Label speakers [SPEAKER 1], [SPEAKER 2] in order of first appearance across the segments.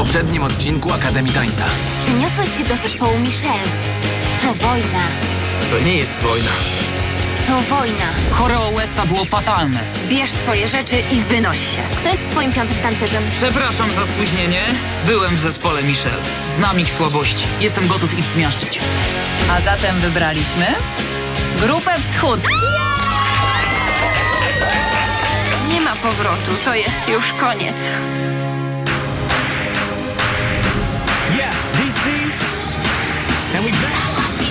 [SPEAKER 1] poprzednim odcinku Akademii Tańca.
[SPEAKER 2] Przeniosłeś się do zespołu Michelle. To wojna.
[SPEAKER 3] To nie jest wojna.
[SPEAKER 2] To wojna.
[SPEAKER 4] Choreo Westa było fatalne.
[SPEAKER 2] Bierz swoje rzeczy i wynoś się. Kto jest twoim piątym tancerzem?
[SPEAKER 4] Przepraszam za spóźnienie. Byłem w zespole Michelle. Znam ich słabości. Jestem gotów ich zmiażdżyć.
[SPEAKER 5] A zatem wybraliśmy Grupę Wschód.
[SPEAKER 2] Nie ma powrotu, to jest już koniec.
[SPEAKER 6] Yeah, DC. And we back.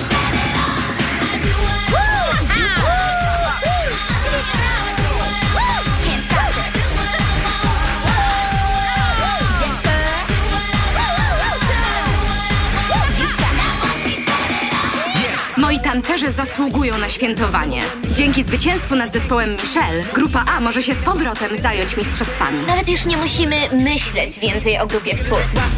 [SPEAKER 7] Moi tancerze zasługują na świętowanie. Dzięki zwycięstwu nad zespołem Michelle, grupa A może się z powrotem zająć mistrzostwami.
[SPEAKER 2] Nawet już nie musimy myśleć więcej o Grupie Wschód.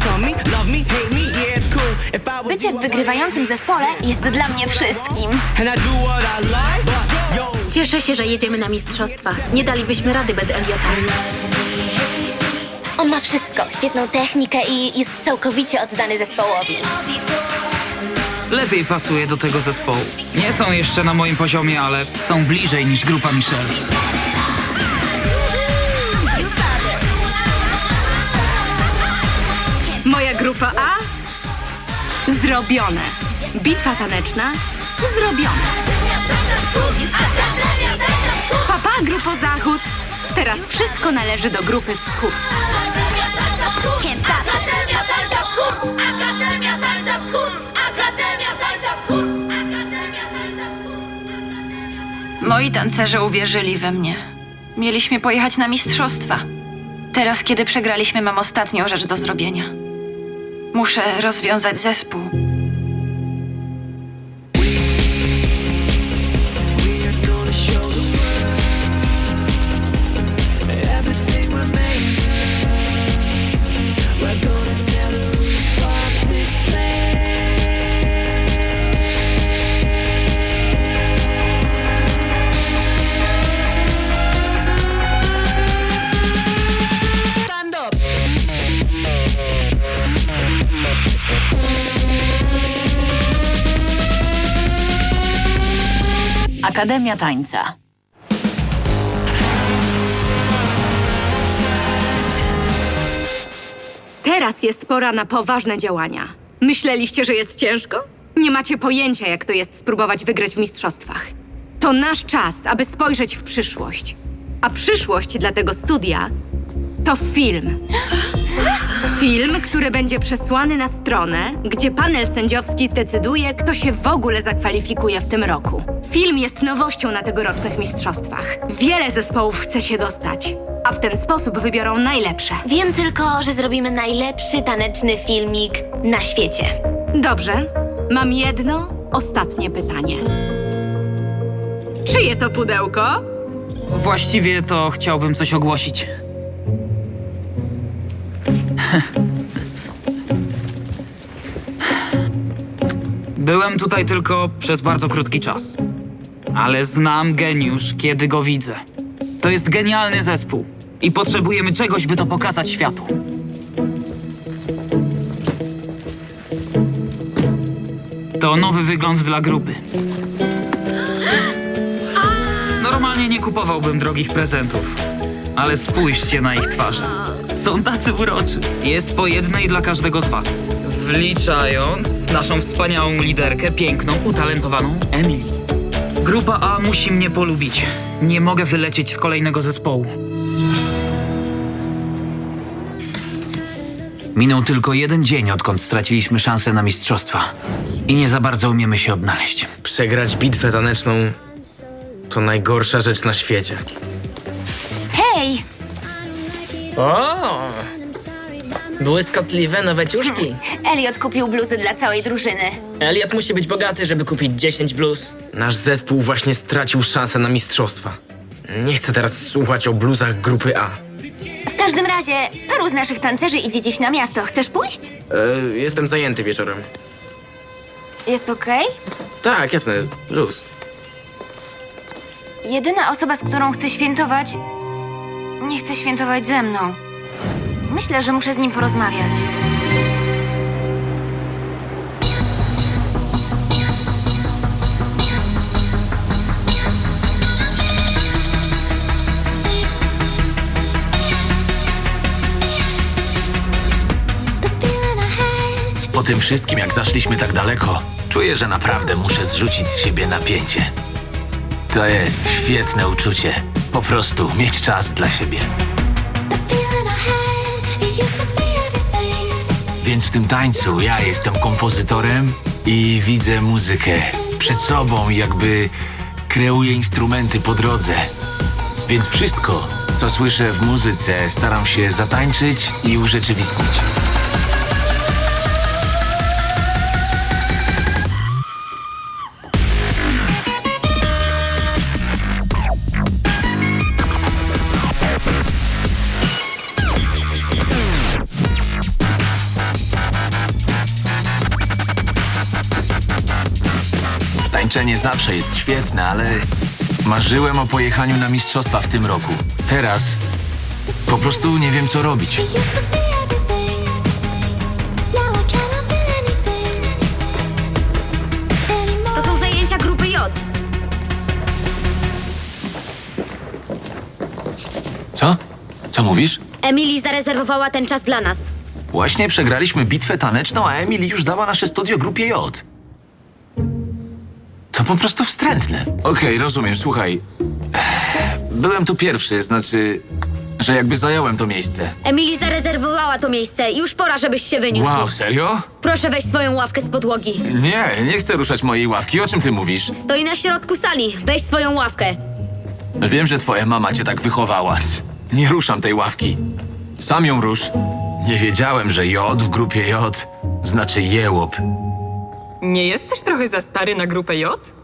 [SPEAKER 2] Bycie w wygrywającym zespole jest dla mnie wszystkim.
[SPEAKER 8] Cieszę się, że jedziemy na mistrzostwa. Nie dalibyśmy rady bez Eliota.
[SPEAKER 2] On ma wszystko, świetną technikę i jest całkowicie oddany zespołowi.
[SPEAKER 4] Lepiej pasuje do tego zespołu. Nie są jeszcze na moim poziomie, ale są bliżej niż grupa Michelle.
[SPEAKER 7] Moja grupa A? Zrobione. Bitwa taneczna? Zrobione. Papa, grupo Zachód. Teraz wszystko należy do grupy Wschód.
[SPEAKER 9] Akademia Tańca Wschód! Akademia Tańca Wschód! Akademia Tańca Wschód! Akademia Tańca Wschód!
[SPEAKER 10] Moi tancerze uwierzyli we mnie. Mieliśmy pojechać na mistrzostwa. Teraz, kiedy przegraliśmy, mam ostatnią rzecz do zrobienia. Muszę rozwiązać zespół.
[SPEAKER 5] Akademia Tańca.
[SPEAKER 7] Teraz jest pora na poważne działania. Myśleliście, że jest ciężko? Nie macie pojęcia, jak to jest spróbować wygrać w mistrzostwach. To nasz czas, aby spojrzeć w przyszłość. A przyszłość dla tego studia to film. Film, który będzie przesłany na stronę, gdzie panel sędziowski zdecyduje, kto się w ogóle zakwalifikuje w tym roku. Film jest nowością na tegorocznych mistrzostwach. Wiele zespołów chce się dostać, a w ten sposób wybiorą najlepsze.
[SPEAKER 2] Wiem tylko, że zrobimy najlepszy taneczny filmik na świecie.
[SPEAKER 7] Dobrze, mam jedno ostatnie pytanie. Czyje to pudełko?
[SPEAKER 4] Właściwie to chciałbym coś ogłosić. Byłem tutaj tylko przez bardzo krótki czas. Ale znam geniusz, kiedy go widzę. To jest genialny zespół i potrzebujemy czegoś, by to pokazać światu. To nowy wygląd dla grupy. Normalnie nie kupowałbym drogich prezentów, ale spójrzcie na ich twarze. Są tacy uroczy. Jest po jednej dla każdego z was. Wliczając naszą wspaniałą liderkę, piękną, utalentowaną Emily. Grupa A musi mnie polubić. Nie mogę wylecieć z kolejnego zespołu.
[SPEAKER 1] Minął tylko jeden dzień, odkąd straciliśmy szansę na mistrzostwa. I nie za bardzo umiemy się odnaleźć.
[SPEAKER 3] Przegrać bitwę taneczną to najgorsza rzecz na świecie.
[SPEAKER 2] Hej!
[SPEAKER 11] O! Błyskotliwe nowe ciuszki.
[SPEAKER 2] Elliot kupił bluzy dla całej drużyny.
[SPEAKER 11] Elliot musi być bogaty, żeby kupić 10 bluz.
[SPEAKER 3] Nasz zespół właśnie stracił szansę na mistrzostwa. Nie chcę teraz słuchać o bluzach grupy A.
[SPEAKER 2] W każdym razie, paru z naszych tancerzy idzie dziś na miasto. Chcesz pójść?
[SPEAKER 3] Jestem zajęty wieczorem.
[SPEAKER 2] Jest okej?
[SPEAKER 3] Tak, jasne, luz.
[SPEAKER 2] Jedyna osoba, z którą chcę świętować, nie chce świętować ze mną. Myślę, że muszę z nim porozmawiać.
[SPEAKER 1] Po tym wszystkim, jak zaszliśmy tak daleko, czuję, że naprawdę muszę zrzucić z siebie napięcie. To jest świetne uczucie. Po prostu mieć czas dla siebie. Więc w tym tańcu ja jestem kompozytorem i widzę muzykę przed sobą, jakby kreuję instrumenty po drodze. Więc wszystko, co słyszę w muzyce, staram się zatańczyć i urzeczywistnić. Tańczenie zawsze jest świetne, ale marzyłem o pojechaniu na mistrzostwa w tym roku. Teraz po prostu nie wiem, co robić.
[SPEAKER 2] To są zajęcia grupy J.
[SPEAKER 1] Co? Co mówisz?
[SPEAKER 2] Emily zarezerwowała ten czas dla nas.
[SPEAKER 1] Właśnie przegraliśmy bitwę taneczną, a Emily już dała nasze studio grupie J. To po prostu wstrętne. Okej, rozumiem, słuchaj. Byłem tu pierwszy, znaczy, że jakby zająłem to miejsce.
[SPEAKER 2] Emily zarezerwowała to miejsce. Już pora, żebyś się wyniósł.
[SPEAKER 1] Wow, serio?
[SPEAKER 2] Proszę weź swoją ławkę z podłogi.
[SPEAKER 1] Nie chcę ruszać mojej ławki. O czym ty mówisz?
[SPEAKER 2] Stoi na środku sali. Weź swoją ławkę.
[SPEAKER 1] Wiem, że twoja mama cię tak wychowała. Nie ruszam tej ławki. Sam ją rusz. Nie wiedziałem, że J w grupie J znaczy jełop.
[SPEAKER 12] Nie jesteś trochę za stary na grupę J?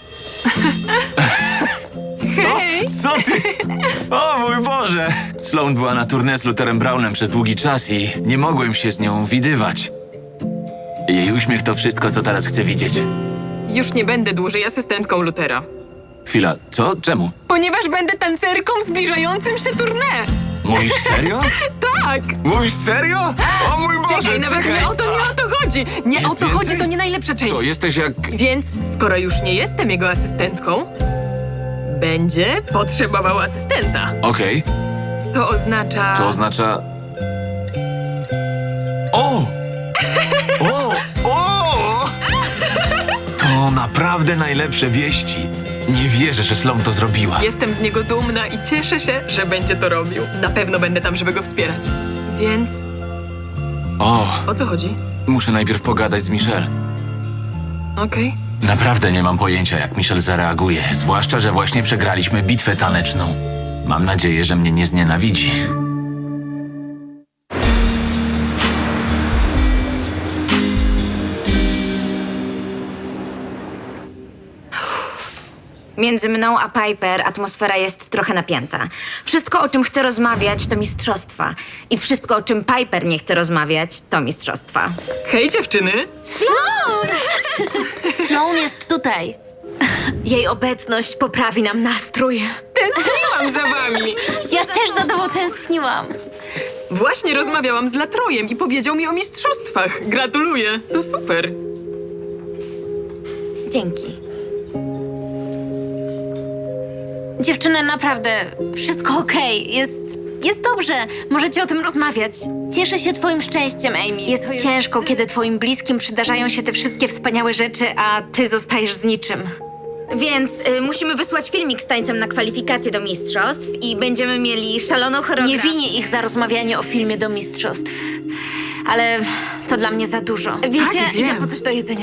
[SPEAKER 12] Hej!
[SPEAKER 1] Co ty? O mój Boże! Sloan była na tournée z Lutherem Brownem przez długi czas i nie mogłem się z nią widywać. Jej uśmiech to wszystko, co teraz chcę widzieć.
[SPEAKER 12] Już nie będę dłużej asystentką Luthera.
[SPEAKER 1] Chwila, co? Czemu?
[SPEAKER 12] Ponieważ będę tancerką w zbliżającym się tournée.
[SPEAKER 1] Mówisz serio?
[SPEAKER 12] Tak!
[SPEAKER 1] Mówisz serio? O mój Boże,
[SPEAKER 12] Czekaj, nawet nie o to chodzi! Nie
[SPEAKER 1] Jest
[SPEAKER 12] o to
[SPEAKER 1] więcej?
[SPEAKER 12] chodzi, to nie najlepsza część.
[SPEAKER 1] Co, jesteś jak...
[SPEAKER 12] Więc, skoro już nie jestem jego asystentką, będzie potrzebował asystenta.
[SPEAKER 1] Okej,
[SPEAKER 12] To oznacza...
[SPEAKER 1] to oznacza... O! O! O! To naprawdę najlepsze wieści. Nie wierzę, że Sloan to zrobiła.
[SPEAKER 12] Jestem z niego dumna i cieszę się, że będzie to robił. Na pewno będę tam, żeby go wspierać. Więc, o co chodzi?
[SPEAKER 1] Muszę najpierw pogadać z Michelle.
[SPEAKER 12] Okej.
[SPEAKER 1] Naprawdę nie mam pojęcia, jak Michelle zareaguje. Zwłaszcza, że właśnie przegraliśmy bitwę taneczną. Mam nadzieję, że mnie nie znienawidzi.
[SPEAKER 2] Między mną a Piper atmosfera jest trochę napięta. Wszystko, o czym chcę rozmawiać, to mistrzostwa. I wszystko, o czym Piper nie chce rozmawiać, to mistrzostwa.
[SPEAKER 12] Hej, dziewczyny!
[SPEAKER 8] Sloan jest tutaj. Jej obecność poprawi nam nastrój.
[SPEAKER 12] Tęskniłam za wami!
[SPEAKER 8] Ja też za tobą tęskniłam.
[SPEAKER 12] Właśnie rozmawiałam z Latrojem i powiedział mi o mistrzostwach. Gratuluję, to super.
[SPEAKER 2] Dzięki.
[SPEAKER 8] Dziewczyny, naprawdę, wszystko okej. Jest dobrze. Możecie o tym rozmawiać. Cieszę się twoim szczęściem, Amy. Jest ciężko, kiedy twoim bliskim przydarzają się te wszystkie wspaniałe rzeczy, a ty zostajesz z niczym.
[SPEAKER 2] Więc musimy wysłać filmik z tańcem na kwalifikacje do mistrzostw i będziemy mieli szaloną choreografię.
[SPEAKER 8] Nie winię ich za rozmawianie o filmie do mistrzostw. Ale to dla mnie za dużo. Wiecie,
[SPEAKER 12] Tak, wiem.
[SPEAKER 8] idę po coś do jedzenia.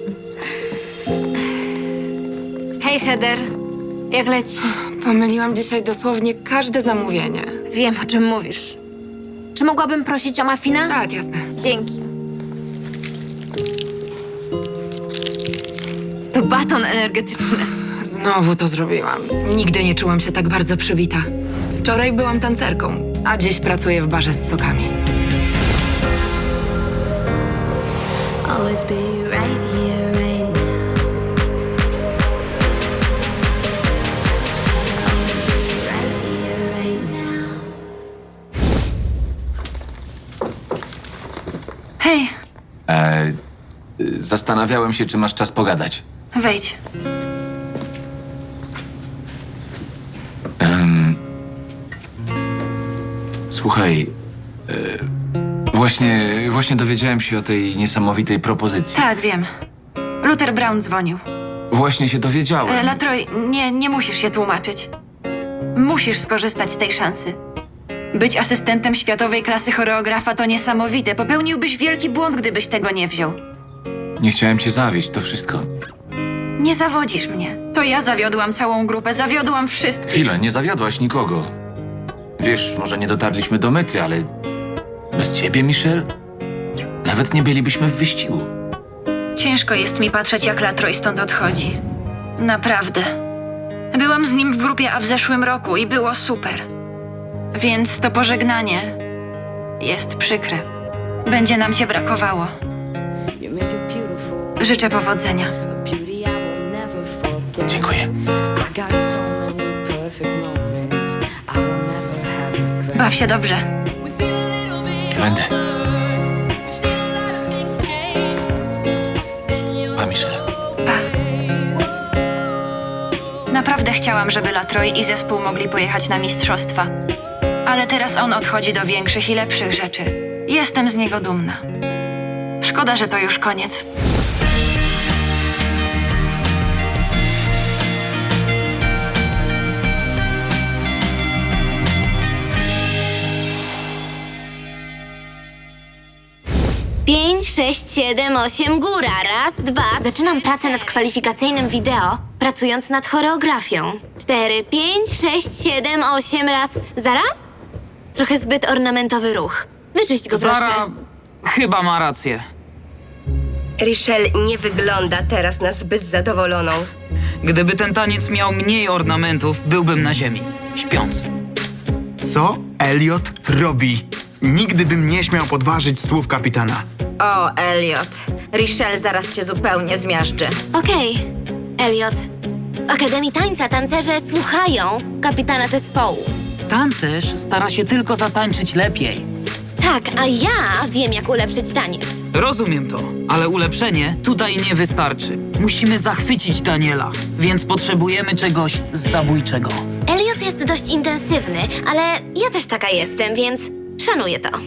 [SPEAKER 8] Hej, Heather. Jak leci?
[SPEAKER 12] Pomyliłam dzisiaj dosłownie każde zamówienie.
[SPEAKER 8] Wiem, o czym mówisz. Czy mogłabym prosić o muffina?
[SPEAKER 12] Tak, jasne.
[SPEAKER 8] Dzięki. To baton energetyczny.
[SPEAKER 12] Znowu to zrobiłam. Nigdy nie czułam się tak bardzo przybita. Wczoraj byłam tancerką, a dziś pracuję w barze z sokami.
[SPEAKER 9] Always be right here, right now. Always be right here, right now.
[SPEAKER 10] Hej,
[SPEAKER 1] Zastanawiałem się, czy masz czas pogadać.
[SPEAKER 10] wejdź.
[SPEAKER 1] Słuchaj, właśnie dowiedziałem się o tej niesamowitej propozycji.
[SPEAKER 10] Tak, wiem. Luther Brown dzwonił.
[SPEAKER 1] Właśnie się dowiedziałem.
[SPEAKER 10] Latroy, nie musisz się tłumaczyć. Musisz skorzystać z tej szansy. Być asystentem światowej klasy choreografa to niesamowite. Popełniłbyś wielki błąd, gdybyś tego nie wziął.
[SPEAKER 1] Nie chciałem cię zawieść, to wszystko.
[SPEAKER 10] Nie zawodzisz mnie. To ja zawiodłam całą grupę, zawiodłam wszystkich.
[SPEAKER 1] Chwilę, nie zawiodłaś nikogo. Wiesz, może nie dotarliśmy do mety, ale bez ciebie, Michelle, nawet nie bylibyśmy w wyścigu.
[SPEAKER 10] Ciężko jest mi patrzeć, jak Latroy stąd odchodzi. Naprawdę. Byłam z nim w grupie A w zeszłym roku i było super. Więc to pożegnanie jest przykre. Będzie nam cię brakowało. Życzę powodzenia.
[SPEAKER 1] Dziękuję.
[SPEAKER 10] Baw się dobrze.
[SPEAKER 1] Będę. Pa, Michelle.
[SPEAKER 10] Naprawdę chciałam, żeby Latroy i zespół mogli pojechać na mistrzostwa. Ale teraz on odchodzi do większych i lepszych rzeczy. Jestem z niego dumna. Szkoda, że to już koniec.
[SPEAKER 13] Pięć, 6, 7, 8, góra. Raz, dwa. Zaczynam pracę nad kwalifikacyjnym wideo, pracując nad choreografią. 4, 5, 6, 7, 8, raz. Zara? Trochę zbyt ornamentowy ruch. Wyczyść go, proszę.
[SPEAKER 4] Zara chyba ma rację.
[SPEAKER 14] Richelle nie wygląda teraz na zbyt zadowoloną.
[SPEAKER 4] Gdyby ten taniec miał mniej ornamentów, byłbym na ziemi, śpiąc.
[SPEAKER 15] Co Elliot robi? Nigdy bym nie śmiał podważyć słów kapitana.
[SPEAKER 2] O, Elliot. Richelle zaraz cię zupełnie zmiażdży.
[SPEAKER 13] Okej, Elliot. W Akademii Tańca tancerze słuchają kapitana zespołu.
[SPEAKER 4] Tancerz stara się tylko zatańczyć lepiej.
[SPEAKER 13] Tak, a ja wiem, jak ulepszyć taniec.
[SPEAKER 4] Rozumiem to, ale ulepszenie tutaj nie wystarczy. Musimy zachwycić Daniela, więc potrzebujemy czegoś zabójczego.
[SPEAKER 13] Elliot jest dość intensywny, ale ja też taka jestem, więc szanuję to.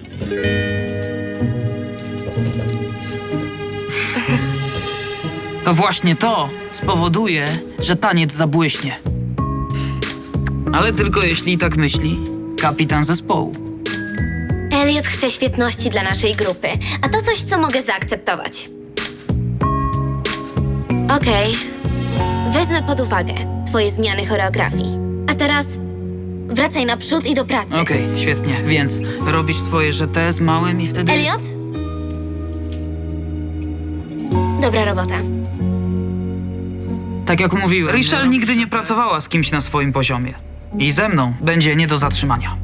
[SPEAKER 4] To właśnie to spowoduje, że taniec zabłyśnie. Ale tylko jeśli tak myśli kapitan zespołu.
[SPEAKER 13] Elliot chce świetności dla naszej grupy, a to coś, co mogę zaakceptować. Okej. Wezmę pod uwagę twoje zmiany choreografii. A teraz wracaj naprzód i do pracy.
[SPEAKER 4] Okej, świetnie. Więc robisz swoje żete z małym i wtedy...
[SPEAKER 13] Elliot? Dobra robota.
[SPEAKER 4] Tak jak mówiłem, Richelle nigdy nie pracowała z kimś na swoim poziomie. I ze mną będzie nie do zatrzymania.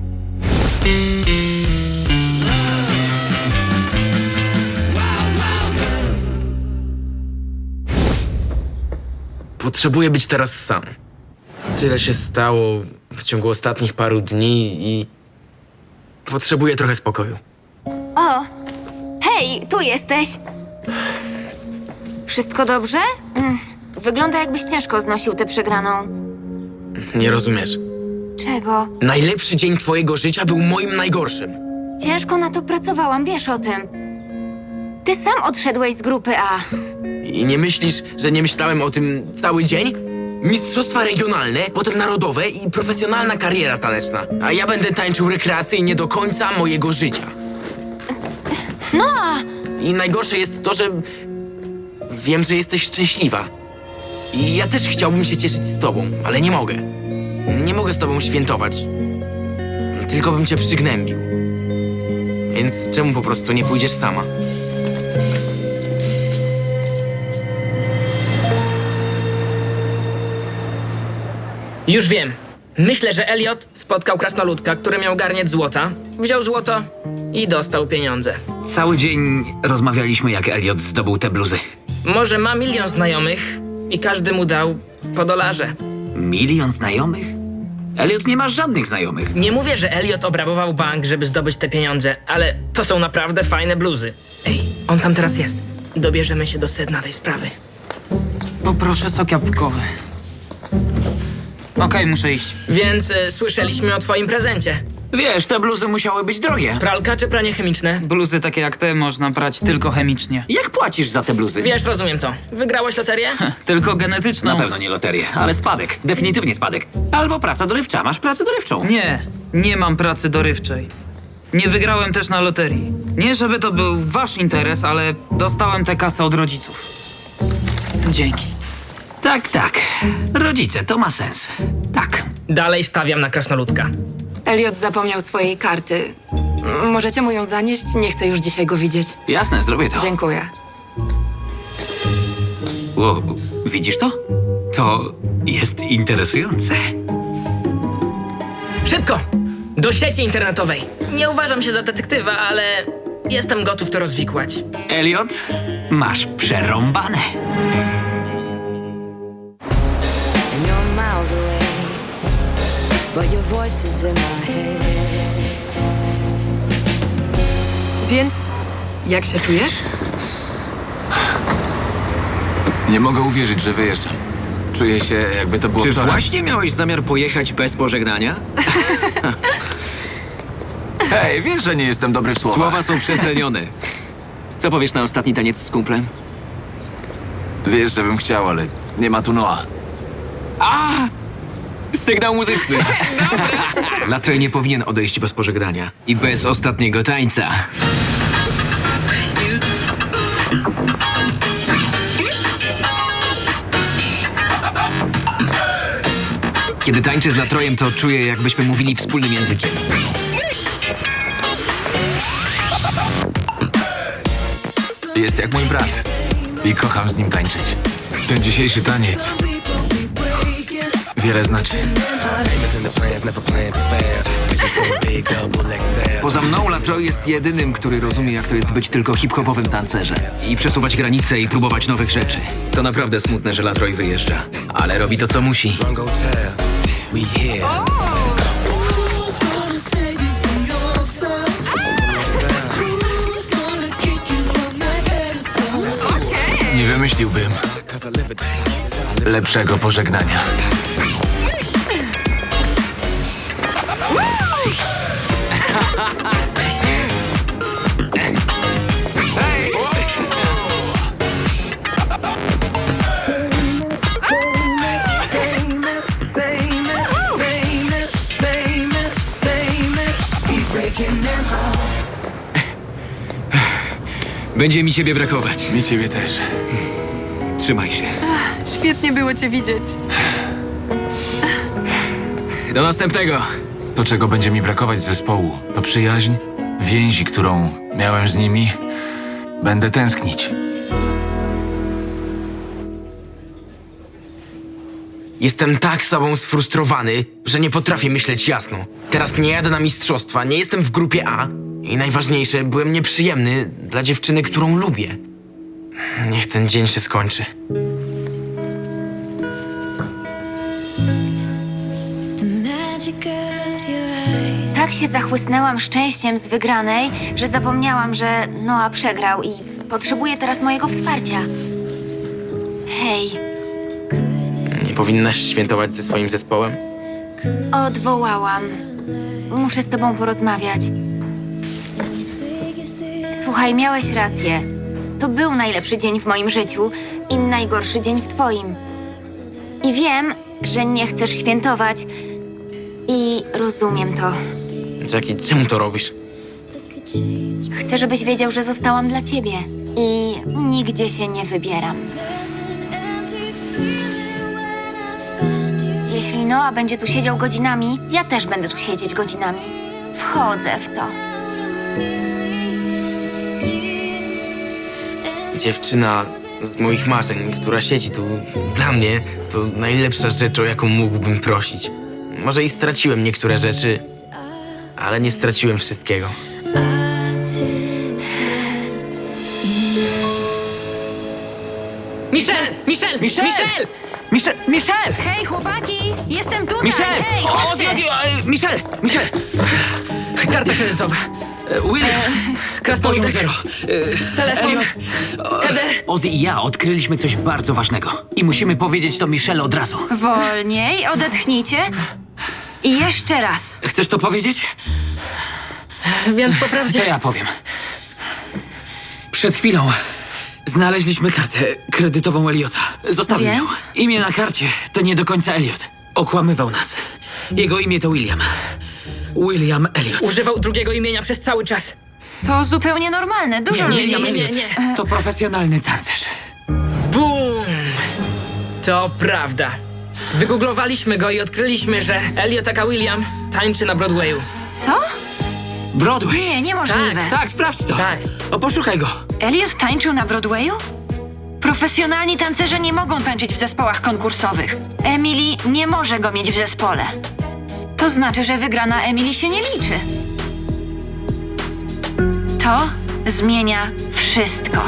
[SPEAKER 3] Potrzebuję być teraz sam. Tyle się stało w ciągu ostatnich paru dni i potrzebuję trochę spokoju.
[SPEAKER 2] O, hej, tu jesteś. Wszystko dobrze? Wygląda, jakbyś ciężko znosił tę przegraną.
[SPEAKER 3] Nie rozumiesz.
[SPEAKER 2] Czego?
[SPEAKER 3] Najlepszy dzień twojego życia był moim najgorszym.
[SPEAKER 2] Ciężko na to pracowałam, wiesz o tym. Ty sam odszedłeś z grupy A.
[SPEAKER 3] I nie myślisz, że nie myślałem o tym cały dzień? Mistrzostwa regionalne, potem narodowe i profesjonalna kariera taneczna. A ja będę tańczył rekreacyjnie do końca mojego życia.
[SPEAKER 2] No!
[SPEAKER 3] I najgorsze jest to, że wiem, że jesteś szczęśliwa. I ja też chciałbym się cieszyć z tobą, ale nie mogę. Nie mogę z tobą świętować. Tylko bym cię przygnębił. Więc czemu po prostu nie pójdziesz sama?
[SPEAKER 11] Już wiem. Myślę, że Elliot spotkał krasnoludka, który miał garniec złota, wziął złoto i dostał pieniądze.
[SPEAKER 1] Cały dzień rozmawialiśmy, jak Elliot zdobył te bluzy.
[SPEAKER 11] Może ma 1 000 000 znajomych i każdy mu dał po $1.
[SPEAKER 1] 1 000 000 znajomych? Elliot nie ma żadnych znajomych.
[SPEAKER 11] Nie mówię, że Elliot obrabował bank, żeby zdobyć te pieniądze, ale to są naprawdę fajne bluzy. Ej, on tam teraz jest. Dobierzemy się do sedna tej sprawy.
[SPEAKER 4] Poproszę sok jabłkowy. Okej, muszę iść.
[SPEAKER 11] Więc słyszeliśmy o twoim prezencie.
[SPEAKER 1] Wiesz, te bluzy musiały być drogie.
[SPEAKER 11] Pralka czy pranie chemiczne?
[SPEAKER 4] Bluzy takie jak te można prać tylko chemicznie.
[SPEAKER 1] Jak płacisz za te bluzy?
[SPEAKER 11] Wiesz, rozumiem to. Wygrałeś loterię?
[SPEAKER 4] Tylko genetyczną.
[SPEAKER 1] Na pewno nie loterię, ale spadek. Definitywnie spadek. Albo praca dorywcza. Masz pracę dorywczą.
[SPEAKER 4] Nie mam pracy dorywczej. Nie wygrałem też na loterii. Nie, żeby to był wasz interes, ale dostałem tę kasę od rodziców. Dzięki.
[SPEAKER 1] Tak. Rodzice, to ma sens. Tak.
[SPEAKER 11] Dalej stawiam na krasnoludka.
[SPEAKER 12] Elliot zapomniał swojej karty. Możecie mu ją zanieść? Nie chcę już dzisiaj go widzieć.
[SPEAKER 1] Jasne, zrobię to.
[SPEAKER 12] Dziękuję.
[SPEAKER 1] Wow, widzisz to? To jest interesujące.
[SPEAKER 11] Szybko! Do sieci internetowej. Nie uważam się za detektywa, ale jestem gotów to rozwikłać.
[SPEAKER 1] Elliot, masz przerąbane.
[SPEAKER 12] Więc, jak się czujesz?
[SPEAKER 1] Nie mogę uwierzyć, że wyjeżdżam. Czuję się, jakby to było
[SPEAKER 16] Czy
[SPEAKER 1] wczoraj.
[SPEAKER 16] właśnie miałeś zamiar pojechać bez pożegnania?
[SPEAKER 1] Hej, wiesz, że nie jestem dobry w słowach.
[SPEAKER 16] Słowa są przecenione. Co powiesz na ostatni taniec z kumplem?
[SPEAKER 1] Wiesz, że bym chciał, ale nie ma tu Noa.
[SPEAKER 16] Sygnał muzyczny. Latrell nie powinien odejść bez pożegnania. I bez ostatniego tańca. Kiedy tańczę z Latrojem, to czuję, jakbyśmy mówili wspólnym językiem.
[SPEAKER 1] Jest jak mój brat. I kocham z nim tańczyć. Ten dzisiejszy taniec wiele znaczy.
[SPEAKER 16] Poza mną Latroy jest jedynym, który rozumie, jak to jest być tylko hip-hopowym tancerzem. I przesuwać granice i próbować nowych rzeczy. To naprawdę smutne, że Latroy wyjeżdża. Ale robi to, co musi.
[SPEAKER 1] Nie wymyśliłbym lepszego pożegnania.
[SPEAKER 16] Będzie mi ciebie brakować.
[SPEAKER 1] Mi ciebie też.
[SPEAKER 16] Trzymaj się.
[SPEAKER 12] Świetnie było cię widzieć.
[SPEAKER 16] Do następnego.
[SPEAKER 1] To, czego będzie mi brakować z zespołu, to przyjaźń, więzi, którą miałem z nimi. Będę tęsknić.
[SPEAKER 3] Jestem tak sobą sfrustrowany, że nie potrafię myśleć jasno. Teraz nie jadę na mistrzostwa, nie jestem w grupie A i najważniejsze, byłem nieprzyjemny dla dziewczyny, którą lubię. Niech ten dzień się skończy.
[SPEAKER 2] Tak się zachłysnęłam szczęściem z wygranej, że zapomniałam, że Noah przegrał i potrzebuje teraz mojego wsparcia. Hej,
[SPEAKER 3] Nie powinnaś świętować ze swoim zespołem?
[SPEAKER 2] odwołałam. Muszę z tobą porozmawiać. Słuchaj, miałeś rację. To był najlepszy dzień w moim życiu i najgorszy dzień w twoim. I wiem, że nie chcesz świętować i rozumiem to.
[SPEAKER 3] Jackie, czemu to robisz?
[SPEAKER 2] Chcę, żebyś wiedział, że zostałam dla ciebie i nigdzie się nie wybieram. Jeśli Noah będzie tu siedział godzinami, ja też będę tu siedzieć godzinami. Wchodzę w to.
[SPEAKER 3] Dziewczyna z moich marzeń, która siedzi tu dla mnie, to najlepsza rzecz, o jaką mógłbym prosić. Może i straciłem niektóre rzeczy, ale nie straciłem wszystkiego.
[SPEAKER 11] Michelle!
[SPEAKER 16] Michelle!
[SPEAKER 10] Hej, chłopaki! Jestem tutaj!
[SPEAKER 16] Michelle!
[SPEAKER 10] Hej,
[SPEAKER 16] Ozzy! Michelle! Karta kredytowa. William! Krasnolud zero.
[SPEAKER 10] Telefon.
[SPEAKER 16] Elliot.
[SPEAKER 10] Heather.
[SPEAKER 16] Ozzy i ja odkryliśmy coś bardzo ważnego. I musimy powiedzieć to Michelle od razu.
[SPEAKER 10] Wolniej, odetchnijcie. I jeszcze raz.
[SPEAKER 16] Chcesz to powiedzieć?
[SPEAKER 11] Więc po prawdzie...
[SPEAKER 16] To ja powiem. Przed chwilą znaleźliśmy kartę kredytową Elliota. Zostawił ją.
[SPEAKER 10] Więc?
[SPEAKER 16] Imię na karcie to nie do końca Elliot. Okłamywał nas. Jego imię to William. William Elliot.
[SPEAKER 11] Używał drugiego imienia przez cały czas.
[SPEAKER 10] To zupełnie normalne. Dużo ludzi...
[SPEAKER 16] William Elliot. To profesjonalny tancerz.
[SPEAKER 11] Bum! To prawda. Wygooglowaliśmy go i odkryliśmy, że Elliot aka William tańczy na Broadwayu.
[SPEAKER 10] Co?
[SPEAKER 16] Broadway?
[SPEAKER 10] Nie, niemożliwe.
[SPEAKER 16] Tak, sprawdź to.
[SPEAKER 11] Tak.
[SPEAKER 16] O, poszukaj go.
[SPEAKER 10] Elliot tańczył na Broadwayu? Profesjonalni tancerze nie mogą tańczyć w zespołach konkursowych. Emily nie może go mieć w zespole. To znaczy, że wygrana Emily się nie liczy. To zmienia wszystko.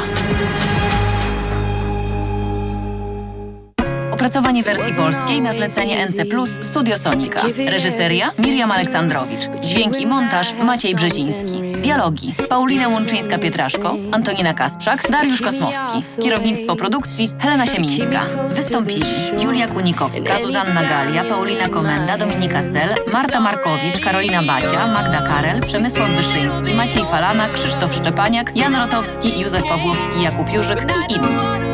[SPEAKER 5] Opracowanie wersji polskiej na zlecenie NC+, Studio Sonika. Reżyseria Miriam Aleksandrowicz. Dźwięk i montaż Maciej Brzeziński. Dialogi Paulina Łączyńska-Pietraszko, Antonina Kasprzak, Dariusz Kosmowski. Kierownictwo produkcji Helena Siemińska. Wystąpili Julia Kunikowska, Zuzanna Galia, Paulina Komenda, Dominika Sel, Marta Markowicz, Karolina Bacia, Magda Karel, Przemysław Wyszyński, Maciej Falana, Krzysztof Szczepaniak, Jan Rotowski, Józef Pawłowski, Jakub Jurzyk i inni.